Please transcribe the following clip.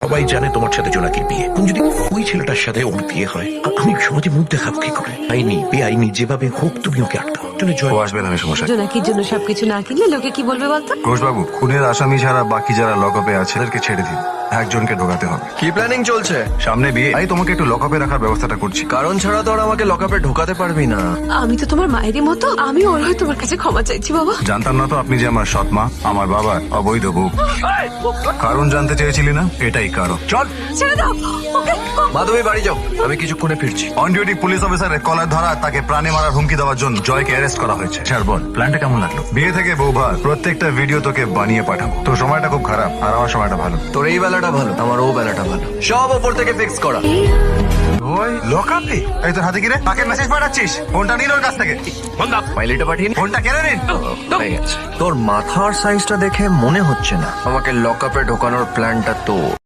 সবাই জানে তোমার সাথে জোনাকির বিয়ে। এখন যদি ওই ছেলেটার সাথে ওর বিয়ে হয়, আমি সমাজে মুখ দেখাবো কি করে? আইনি বেআইনি যেভাবে হোক তুমি ওকে আটকাও। ও আসবে না সমস্যা। জোনাকির জন্য সবকিছু না কিনলে লোকে কি বলবে বলতো? ঘোষবাবু, খুনের আসামি ছাড়া বাকি যারা লকআপে আছে তাদেরকে ছেড়ে দিন। একজনকে ঢোকাতে হবে। কি প্ল্যানিং চলছে? সামনে বিয়ে, তাই তোমাকে একটু লকআপে রাখার ব্যবস্থাটা করছি। কারণ ছাড়া তো আর আমাকে লকআপে ঢোকাতে পারবি না। আমি তো তোমার মায়েরই মতো, আমি ওর হয়ে তোমার কাছে ক্ষমা চাইছি বাবা। জানতাম না তো আপনি যে আমার সৎ মা, আমার বাবার অবৈধ বউ। কারণ জানতে চেয়েছিলি না? এটাই কারণ। চল। ছেড়ে দাও ওকে। মা তুমি বাড়ি যাও, আমি কিছুক্ষণে ফিরছি। অন ডিউটি পুলিশ অফিসারের কলার ধরা তাকে প্রাণে মারার হুমকি দেওয়ার জন্য জয়কে অ্যারেস্ট করা হয়েছে। স্যার বল, প্ল্যানটা কেমন লাগলো? বিয়ে থেকে বউ ভার প্রত্যেকটা ভিডিও তোকে বানিয়ে পাঠাবো। তোর সময়টা খুব খারাপ আর আমার সময়টা ভালো। তোর এই বেলাটা ভালো, আমার ও বেলাটা ভালো। সব ওপর থেকে ফিক্স করা। ওই লকআপে? এই তোর হাতে কি রে? কাকে মেসেজ পাঠাচ্ছিস? ফোনটা নিন ওর কাছ থেকে। ফাইলটা পাঠিয়ে নি? ফোনটা কেড়ে নিন। হয়ে গেছে। তোর মাথার সাইজটা দেখে মনে হচ্ছে না আমাকে লকআপে ঢোকানোর প্ল্যানটা তোর।